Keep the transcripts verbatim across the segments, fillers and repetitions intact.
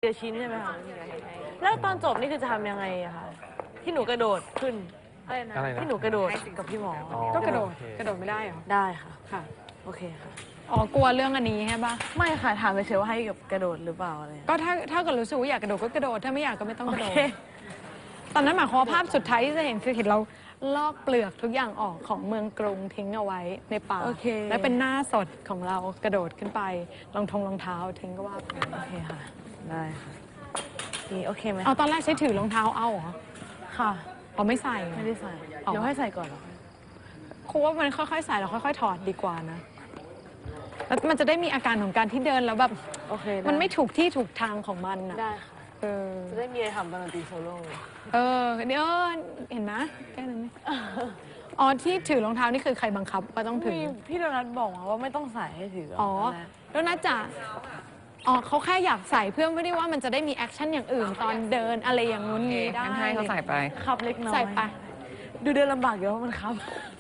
เดียวชิ้นใช่ไหมคะแล้วตอนจบนี่คือจะทำยังไงอะคะที่หนูกระโดดขึ้นอะไรนะที่หนูกระโดดกับพี่หมอก็กระโดดกระโดดไม่ได้เหรอได้ค่ะค่ะโอเคค่ะอ๋อกลัวเรื่องอันนี้ใช่ปะไม่ค่ะถามไปเฉยว่าให้กับกระโดดหรือเปล่าอะไรก็ถ้าถ้าเกิดรู้สึกว่าอยากกระโดดก็กระโดดถ้าไม่อยากก็ไม่ต้องกระโดดตอนนั้นหมายความว่าภาพสุดท้ายที่จะเห็นคือเห็นเราลอกเปลือกทุกอย่างออกของเมืองกรุงทิ้งเอาไว้ในป่าและเป็นหน้าสดของเรากระโดดขึ้นไปรองทงรองเท้าทิ้งก็ว่าไปโอเคค่ะได้ค่ะนี่โอเคไหมเอาตอนแรกใช้ถือรองเท้าเอาเหรอค่ะเอาไม่ใส่ไม่ได้ใส่เดี๋ยวให้ใส่ก่อนเหรอครูว่ามันค่อยๆใส่แล้วค่อยๆถอดดีกว่านะแล้วมันจะได้มีอาการของการที่เดินแล้วแบบโอเคมันไม่ถูกที่ถูกทางของมันนะได้ค่ะเออจะได้มีอะไรทำตอนดนตรีโซโล่เออเนี่ยเห็นไหมแค่นั้นไหมอ๋อที่ถือรองเท้านี่คือใครบังคับว่าต้องถือพี่โดนัทบอกว่าไม่ต้องใส่ให้ถืออ๋อโดนัทจะอ๋อเขาแค่อยากใส่เพื่อไม่ได้ว่ามันจะได้มีแอคชั่นอย่างอื่นตอนเดินอะไรอย่างงู้นนี้ได้ให้เขาใส่ไปขับเล็กน้อยใส่ไปดูเดินลำบากเยอะมันครับ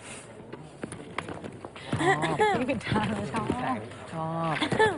นี่ผิดทางชอบชอบ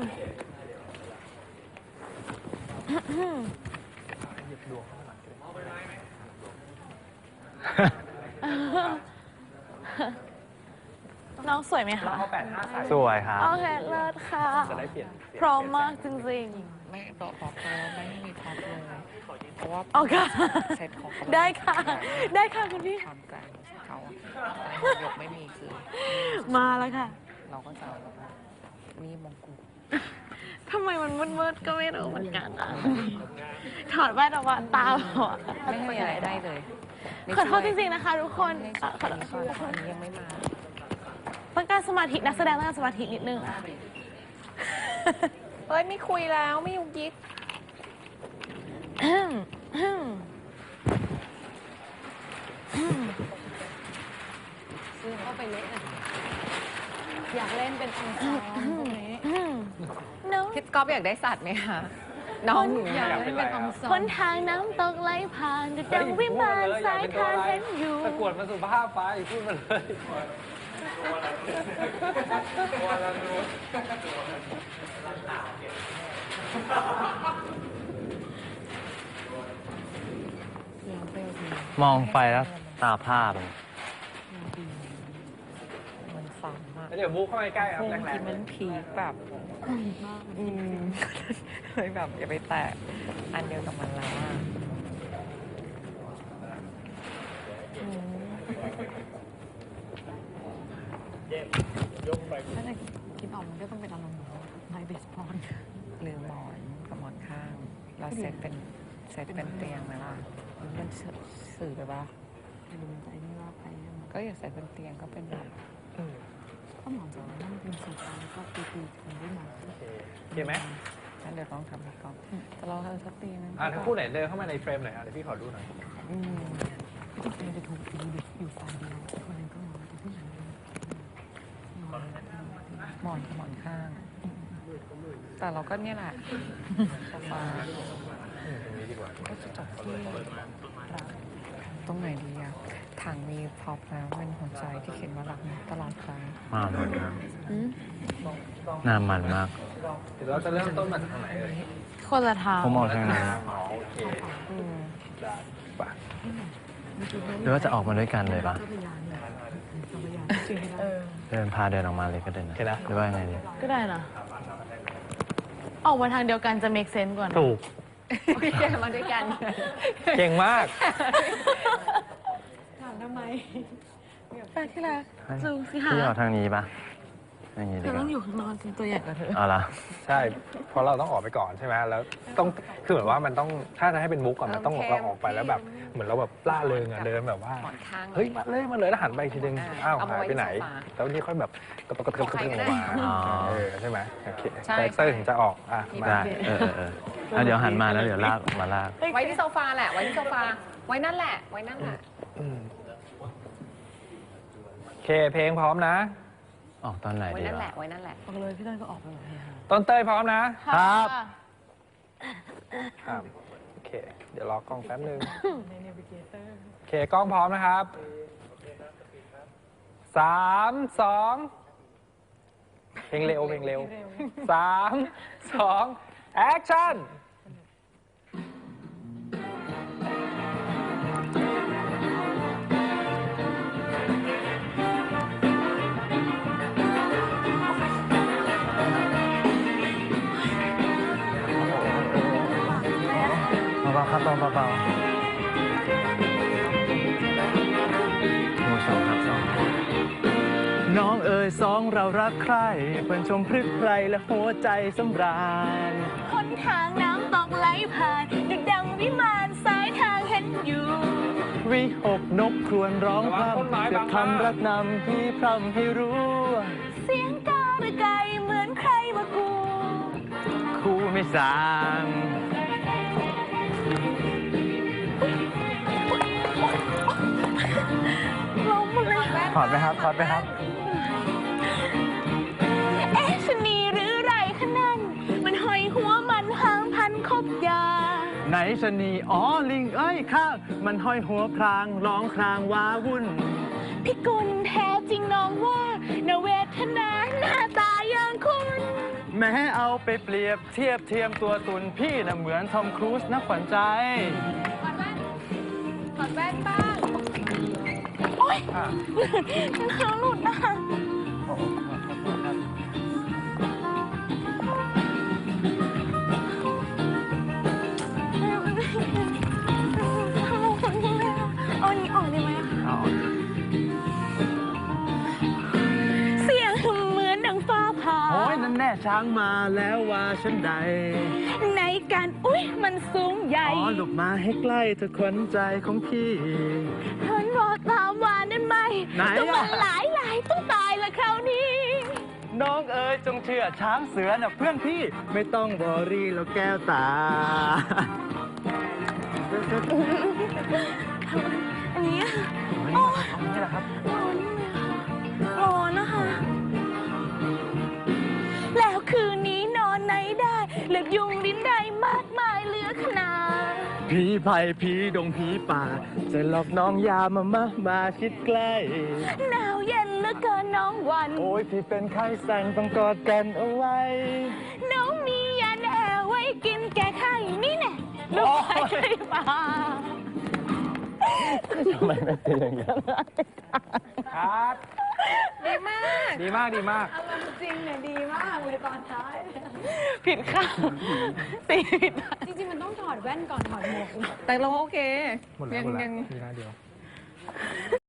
น้องสวยไหมคะสวยครับโอเคเลิศค่ะพร้อมมากจริงๆไม่บอกบอกเลยไม่มีท็อปเลยเพราะว่าโอเคเซตของได้ค่ะได้ค่ะคุณพี่ทำใจเขายกไม่มีคือมาแล้วค่ะเราก็จะมีมงกุฎทำไมมันมืดๆก็ไม่รู้เหมือนกันอ่ะถอดแว่นออกมาตาบอดไม่มีอะไรได้เลยขอโทษจริงๆนะคะทุกคนขอโทษอันนี้ยังไม่มาต้องการสมาธินักแสดงต้องการสมาธินิดนึงเฮ้ยไม่คุยแล้วไม่ยุกยิกซื้อเข้าไปเละอ่ะอยากเล่นเป็นองค์ซ้อมตรงนี้พี่ก๊อฟอยากได้สัตว์ไหมคะน้องหนูอยากเล่นเป็นองค์ซ้อมคนทางน้ำตกไหลผ่านจะดังวิมานสายทานเห็นอยู่ตะกวดมาสุภาพไปพูดมาเลยมองไปแล้วตาผ้าเลยมันฟังมากเดี๋ยวบู๊เข้าไปใกล้ครับแรงๆมันพีคแบบอืมเลยแบบอย่าไปแตะอันเดียวกับมันแล้วอ่ะถ้าจะคิดออกมันก็ต้องเป็นอารมณ์ไมเบสบอลหรือหมอนกับหมอนข้างเราเซตเป็นเซตเป็นเตียงไหมล่ะมันสื่อไปปะดูมันใจนี่ว่าไปก็อย่าใส่เป็นเตียงก็เป็นแบบก็หมอนจะนั่งเป็นสีฟ้าแล้วก็ตีตีคนด้วยหมอนโอเคไหมงั้นเดี๋ยวต้องทำให้ก่อนแต่เราทำสักตีนึงอ่าถ้าคู่ไหนเดินเข้ามาในเฟรมหน่อยอ่ะเดี๋ยวพี่ขอดูหน่อยอืมจริงๆจะถูกตีอยู่ฝ่ายเดียวคนนึงก็หมอนแต่ผู้หญิงหมอนกับหมอนข้างแต่เราก็เนี่ยแหละโซฟาตรงนี้ดีกว่าก็จะจบที่ตรงไหนดีอะถังมีพร็อพแล้วเป็นหัวใจที่เขียนว่ารักตลอดไปมามันมากน่ามันมากเดี๋ยวเราจะเริ่มต้นมาจากตรงไหนเลยคนละทางผมมองทางนั้นโอเคได้ปะหรือว่าจะออกมาด้วยกันเลยปะเดินพาเดินออกมาเลยก็ได้นะหรือว่าไงดีก็ได้นะออกมาทางเดียวกันจะ make sense กว่าถูกเดินมาด้วยกันเก่งมากถามทำไมไปที่รักจูงสิหาพี่ออกทางนี้ปะอย่างนี้ดีกว่าต้องอยู่ข้างนอกจริงตัวใหญ่กว่าเธออ๋อละใช่เพราะเราต้องออกไปก่อนใช่ไหมแล้วต้องคือเหมือนว่ามันต้องถ้าจะให้เป็นมุกก่อนมันต้องเราออกไปแล้วแบบเหมือนเราแบบล่าเริงอ่ะเดินแบบว่าเฮ้ยมาเลยมาเลยแล้วหันไปทีนึงอ้าวหายไปไหนแล้วนี่ค่อยแบบกระตุกกระตุกกระตุกออกมาเออใช่ไหมโอเคคาแรคเตอร์ถึงจะออกอ่ะได้เออเออแล้วเดี๋ยวหันมาแล้วเดี๋ยวลากมาลากไว้ที่โซฟาแหละไว้ที่โซฟาไว้นั่นแหละไว้นั่นแหละโอเคเพลงพร้อมนะออกตอนไหนดีไว้นั่นแหละไว้นั่นแหละออกเลยพี่ต้นก็ออกไปเลยต้นเต้ยพร้อมนะครับครับโอเคเดี๋ยวรอกล้องแป๊บนึงโอเคกล้องพร้อมนะครับสามสองเพลงเร็วเพลงเร็วสามสองแอคชั่นครับเบาเบาหมู่สองครับสองน้องเอ๋ยสองเรารักใครเปิ้นชมพรึกไพรและหัวใจสำราญหนทางน้ำตกไหลผ่านดุจดังวิมานสายทางเห็นอยู่วิหกนกครวญร้องพร่ำเสียงคำรักนำพี่พร่ำให้รู้เสียงการะไกเหมือนใครมากูคู่ไม่สางลงมาเลยถอดไหมครับถอดไหมครับเอ๊ะชะนีหรือไรคะนั่น มันห้อยหัวมันหางพันคบยาไหนชะนีอ๋อลิงเอ้ยข้างมันห้อยหัวพรางร้องครางว้าวุ่นพี่กุลแท้จริงน้องว่านาเวทนาหน้าตาอย่างคุณแม้เอาไปเปรียบเทียบเทียมตัวตุนพี่น่ะเหมือนทอมครูซนะขวัญใจถอดแว่นบ้างโอ๊ยเท้าหลุดนะคะ เอาอันนี้ออกได้ไหมอะคะ เสียงเหมือนดังฟ้าผ่าโอ้ยนั่นแน่ช้างมาแล้วว่าฉันใดในการอุ้ยมันสูงใหญ่อ๋อหลบมาให้ใกล้เธอขวัญใจของพี่เห็นบอกตามว่านั่นไหมไหนอะต้องมันหลายหลายต้องตายละคราวนี้น้องเอ๋ยจงเชื่อช้างเสือน่ะเพื่อนพี่ไม่ต้องบอรี่แล้วแก้วตาอันนี้อะโอ้ยนี่แหละครับร้อนไหมคะร้อนนะคะ แล้วคืนนี้นอนไหนได้เหลือกยุงลิ้นได้มากมายเหลือขนาดผีไผ่ผีดงผีป่า จะหลอกน้องยามามามาชิดใกล้หนาวเย็นเหลือเกินน้องวันโอ้ยพี่เป็นไข้สั่นต้องกอดกันเอาไว้น้องมียาแน่ไว้กินแก้ไข้นี่แน่ลูกไข่ไก่ป่าทำไมไม่เป็นอย่างนั้นครับดีมากดีมากดีมากอารมณ์จริงเนี่ยดีมากเลยตอนท้ายผิดค่ะตีผิดจริงๆ มันต้องถอดแว่นก่อนถอดหมวกแต่เราโอเคหมดแล้วหมดแล้วมีหน้าเดียว